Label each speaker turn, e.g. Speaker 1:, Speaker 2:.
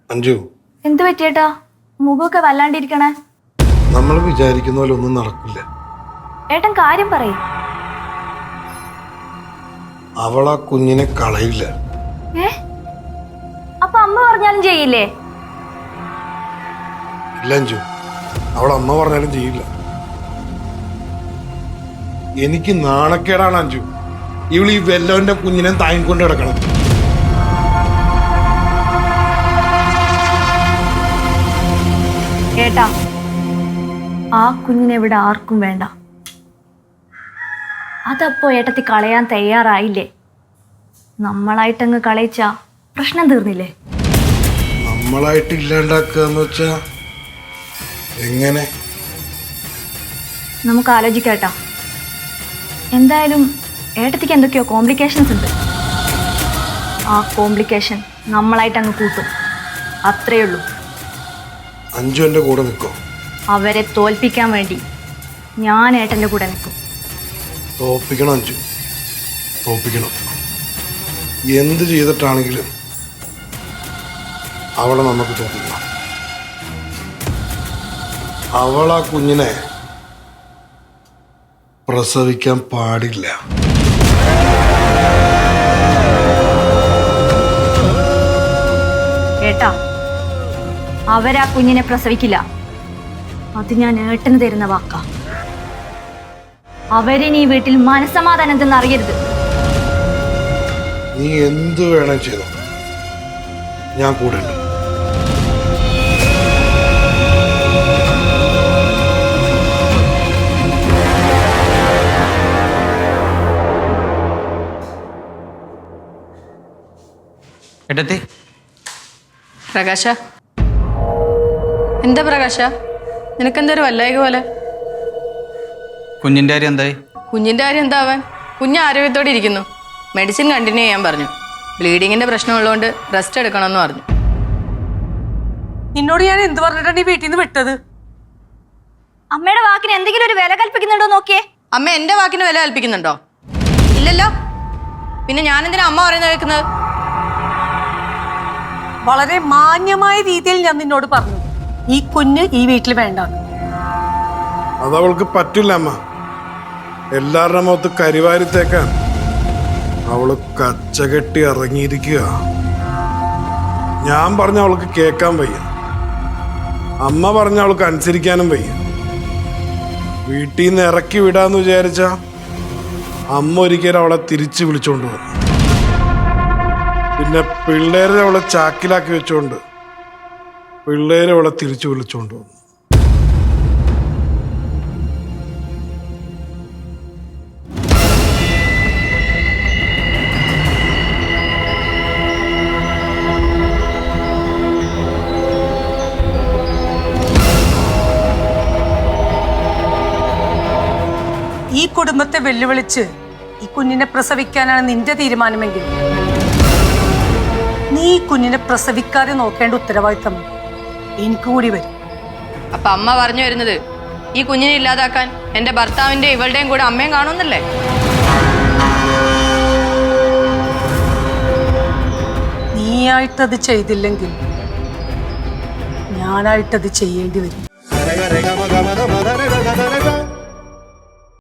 Speaker 1: അഞ്ജു,
Speaker 2: എന്ത് പറ്റിയേട്ടാ? മുഖമൊക്കെ വല്ലാണ്ടിരിക്കണേ.
Speaker 1: നമ്മൾ വിചാരിക്കുന്ന പോലെ ഒന്നും നടക്കില്ല.
Speaker 2: ഏട്ടൻ കാര്യം പറയും.
Speaker 1: അവൾ ആ കുഞ്ഞിനെ കളയില്ല.
Speaker 2: അപ്പൊ അമ്മ പറഞ്ഞാലും ചെയ്യില്ലേ?
Speaker 1: ഇല്ല അഞ്ജു, അവൾ അമ്മ പറഞ്ഞാലും ചെയ്യില്ല. എനിക്ക് നാണക്കേടാണ് അഞ്ജു, ഇവൾ ഈ വെല്ലവന്റെ കുഞ്ഞിനെ താങ്ങിക്കൊണ്ട് കിടക്കണം.
Speaker 2: ഏട്ടാ, ആ കുഞ്ഞിനെ ഇവിടെ ആർക്കും വേണ്ട. അതപ്പോ ഏട്ടത്തി കളയാൻ തയ്യാറായില്ലേ? നമ്മളായിട്ടങ്ങ് കളയിച്ച പ്രശ്നം തീർന്നില്ലേ?
Speaker 1: നമ്മളായിട്ട് ഇല്ലാണ്ടാക്കുക എന്ന് വെച്ചാ എങ്ങനെ?
Speaker 2: നമുക്ക് ആലോചിക്കാട്ടാ. എന്തായാലും ഏട്ടത്തിക്ക് എന്തൊക്കെയോ കോംപ്ലിക്കേഷൻസ് ഉണ്ട്. ആ കോംപ്ലിക്കേഷൻ നമ്മളായിട്ടങ്ങ് കൂട്ടും, അത്രയേ ഉള്ളൂ.
Speaker 1: അഞ്ജു എൻ്റെ കൂടെ നിൽക്കോ?
Speaker 2: അവരെ തോൽപ്പിക്കാൻ വേണ്ടി ഞാൻ ഏട്ടൻ്റെ കൂടെ നിൽക്കും.
Speaker 1: തോൽപ്പിക്കണം അഞ്ജു, തോൽപ്പിക്കണം. എന്ത് ചെയ്തിട്ടാണെങ്കിലും അവളെ നമുക്ക് തോൽപ്പിക്കണം. അവൾ ആ കുഞ്ഞിനെ പ്രസവിക്കാൻ പാടില്ല.
Speaker 2: ഏട്ടാ, അവരാ കുഞ്ഞിനെ പ്രസവിക്കില്ല. അത് ഞാൻ ഏട്ടന് തരുന്ന വാക്കാ. അവരിനി ഈ വീട്ടിൽ മനസ്സമാധാനം എന്തെന്ന് അറിയരുത്.
Speaker 1: നീ എന്തു വേണം ചെയ്തോ, ഞാൻ കൂടെ ഉണ്ട്.
Speaker 3: ഏട്ടത്തി,
Speaker 4: പ്രകാശ, എന്താ പ്രകാശ, നിനക്കെന്തൊരു വല്ലായിക പോലെ?
Speaker 3: കുഞ്ഞിൻ്റെ കാര്യം എന്തായി?
Speaker 4: കുഞ്ഞിൻ്റെ കാര്യം എന്താവാൻ? കുഞ്ഞ് ആരോഗ്യത്തോടെ ഇരിക്കുന്നു. മെഡിസിൻ കണ്ടിന്യൂ ചെയ്യാൻ പറഞ്ഞു. ബ്ലീഡിങ്ങിന്റെ പ്രശ്നമുള്ളതുകൊണ്ട് റെസ്റ്റ് എടുക്കണമെന്ന് പറഞ്ഞു.
Speaker 5: നിന്നോട് ഞാൻ എന്ത് പറഞ്ഞിട്ടാണ് ഈ വീട്ടിൽ നിന്ന് വിട്ടത്?
Speaker 2: അമ്മയുടെ വാക്കിന് എന്തെങ്കിലും ഒരു വില കൽപ്പിക്കുന്നുണ്ടോ നോക്കിയേ.
Speaker 4: അമ്മ എന്റെ വാക്കിന് വില കൽപ്പിക്കുന്നുണ്ടോ? ഇല്ലല്ലോ. പിന്നെ ഞാനെന്തിനാ അമ്മ പറയുന്നത് കേൾക്കുന്നത്?
Speaker 5: വളരെ മാന്യമായ രീതിയിൽ ഞാൻ നിന്നോട് പറഞ്ഞു, ഈ കുഞ്ഞ് ഈ വീട്ടിൽ വേണ്ട.
Speaker 1: അതവൾക്ക് പറ്റില്ല അമ്മ. എല്ലാവരുടെ മുഖത്ത് കരിവാരിത്തേക്കാൻ അവള് കച്ചകെട്ടി ഇറങ്ങിയിരിക്കുക. ഞാൻ പറഞ്ഞ അവൾക്ക് കേൾക്കാൻ വയ്യ, അമ്മ പറഞ്ഞ അവൾക്ക് അനുസരിക്കാനും വയ്യ. വീട്ടിൽ നിന്ന് ഇറക്കി വിടാന്ന് വിചാരിച്ച അമ്മ ഒരിക്കലും അവളെ തിരിച്ചു വിളിച്ചോണ്ട് വന്നു. പിന്നെ പിള്ളേരെ അവളെ ചാക്കിലാക്കി വെച്ചോണ്ട് പിള്ളേരെ അവളെ തിരിച്ചു വിളിച്ചോണ്ട് വന്നു.
Speaker 5: ഈ കുടുംബത്തെ വെല്ലുവിളിച്ച് ഈ കുഞ്ഞിനെ പ്രസവിക്കാനാണ് നിന്റെ തീരുമാനമെങ്കിൽ നീ ഈ കുഞ്ഞിനെ പ്രസവിക്കാതെ നോക്കേണ്ട ഉത്തരവാദിത്തം എനിക്ക് കൂടി വരും.
Speaker 4: അപ്പൊ അമ്മ പറഞ്ഞു വരുന്നത് ഈ കുഞ്ഞിനെ ഇല്ലാതാക്കാൻ എന്റെ ഭർത്താവിന്റെ ഇവളുടെയും കൂടെ അമ്മയും കാണുന്നല്ലേ?
Speaker 5: നീയായിട്ടത് ചെയ്തില്ലെങ്കിൽ ഞാനായിട്ടത് ചെയ്യേണ്ടി വരും.